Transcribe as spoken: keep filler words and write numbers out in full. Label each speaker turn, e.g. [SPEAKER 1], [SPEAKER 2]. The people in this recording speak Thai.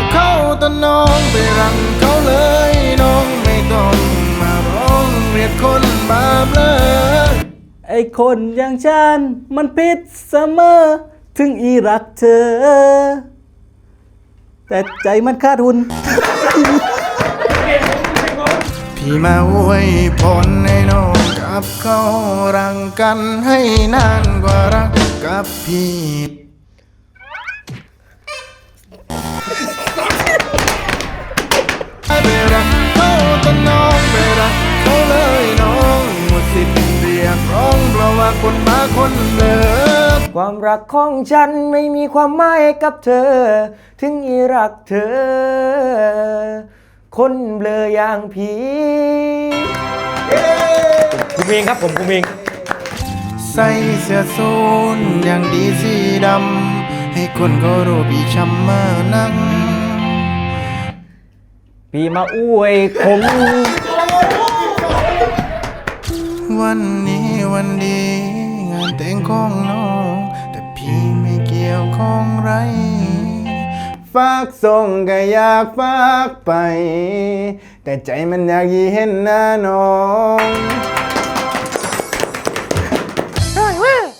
[SPEAKER 1] เขาแต่น้องไปรังเขาเลยน้องไม่ต้องมาร้องเรียกคนบาปเลย
[SPEAKER 2] ไอ้คนอย่างฉันมันผิดเสมอถึงอีรักเธอ แต่ใจมันขาดทุน
[SPEAKER 1] พี่มาอวยพรให้น้องกับเขารังกันให้นานกว่ารักกับพี่ไปรักเขาแต่น้องไปรักเขาเลยน้องหมดสิทธิ์เรียกร้องเพราะว่าคนบ้าคนเลิก
[SPEAKER 3] ความรักของฉันไม่มีความหมายกับเธอ ถึงอีรักเธอ คนเบลออย่างผีคุณเองครับผมคุณเอง
[SPEAKER 1] ใส่เสื้อสูทอย่างดีสีดำให้คนเขารู้พี่ช้ำมานัก
[SPEAKER 3] พี่มาอวยผม
[SPEAKER 1] วันนี้วันดีงานแต่งของน้องแต่พี่ไม่เกี่ยวข้องไรฝากส่งก็อยากฝากไปแต่ใจมันอยากยีเห็นหน้าน้อง